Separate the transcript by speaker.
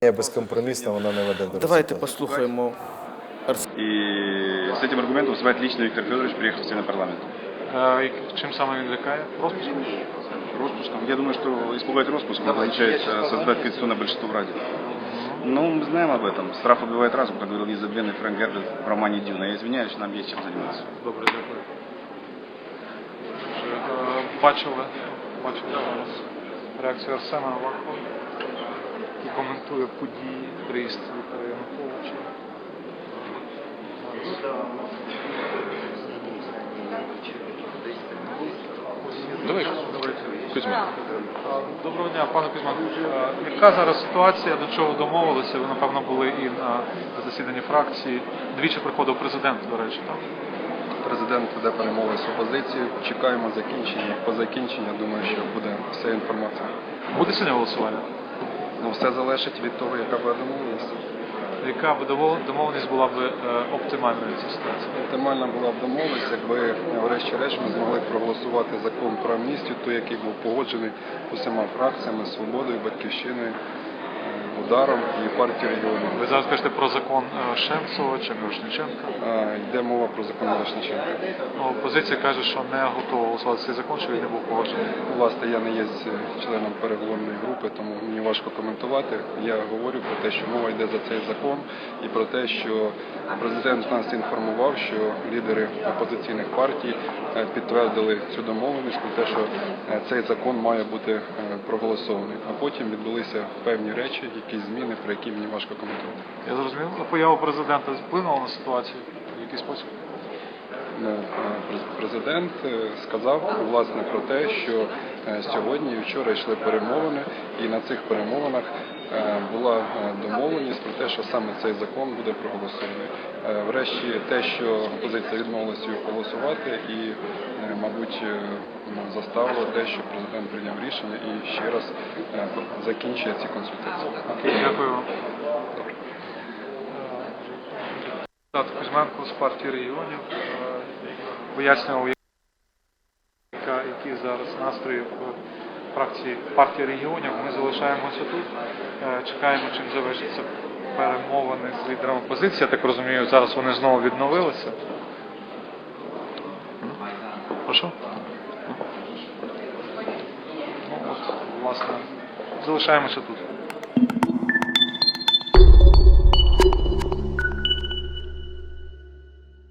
Speaker 1: безкомпромісна, вона не веде до
Speaker 2: Давайте
Speaker 1: результату.
Speaker 2: послухаємо.
Speaker 3: И с этим аргументом выступает лично Виктор Федорович, приехав в парламент.
Speaker 4: Чим саме він лякає? Розпуском?
Speaker 3: Распуском. Я думаю, что испугать распуском означает создать конституционное большинство в Раде. Ну, мы знаем об этом. Страх убивает разум, как говорил незабвенный Фрэнк Герберт в романе «Дюна». Я извиняюсь, нам есть чем заниматься.
Speaker 4: Добре, дякую. Бачили зараз реакцію Арсена Авакова, який коментує події, приїзд Віктора Януковича. Давайте. Кузьма. Доброго дня, пане Кузьма. Яка зараз ситуація, до чого домовилися? Ви, напевно, були і на засіданні фракції. Двічі приходив президент, до речі, так?
Speaker 5: Президент веде перемови з опозицією. Чекаємо закінчення. По закінченню, думаю, що буде вся інформація.
Speaker 4: Буде сьогодні голосування?
Speaker 5: Ну, все залежить від того, яка буде домовленість.
Speaker 4: Яка б домовленість була б оптимальною в цій ситуації?
Speaker 5: Оптимальна була б домовленість, якби врешті-решт ми змогли проголосувати закон про амністію, той, який був погоджений усіма фракціями, Свободою, Батьківщиною, Ударом і партією регіонів.
Speaker 4: Ви зараз кажете про закон Шемцова чи Мирошниченка?
Speaker 5: Йде мова про закон Мирошниченка.
Speaker 4: Опозиція каже, що не готова голосувати цей закон, що він не був погоджений.
Speaker 5: Власне, я не є членом переговорної групи, тому мені важко коментувати. Я говорю про те, що мова йде за цей закон і про те, що президент нас інформував, що лідери опозиційних партій підтвердили цю домовленість про те, що цей закон має бути проголосований. А потім відбулися певні речі, якісь зміни, про які мені важко коментувати.
Speaker 4: Я зрозумів. Поява президента вплинула на ситуацію в який спосіб?
Speaker 5: Президент сказав, власне, про те, що сьогодні і вчора йшли перемовини, і на цих перемовинах була домовленість про те, що саме цей закон буде проголосований. Врешті те, що опозиція відмовилася його голосувати і, мабуть, заставило те, що президент прийняв рішення і ще раз закінчує ці консультації.
Speaker 4: Дякую вам. Депутат Кузьменко з партії регіонів пояснював, які зараз настрої в фракції партії регіонів. Ми залишаємося тут, чекаємо, чим завершаться перемовини з лідерами опозиції. Я так розумію, зараз вони знову відновилися. Прошу? Ну, от, власне, залишаємося тут.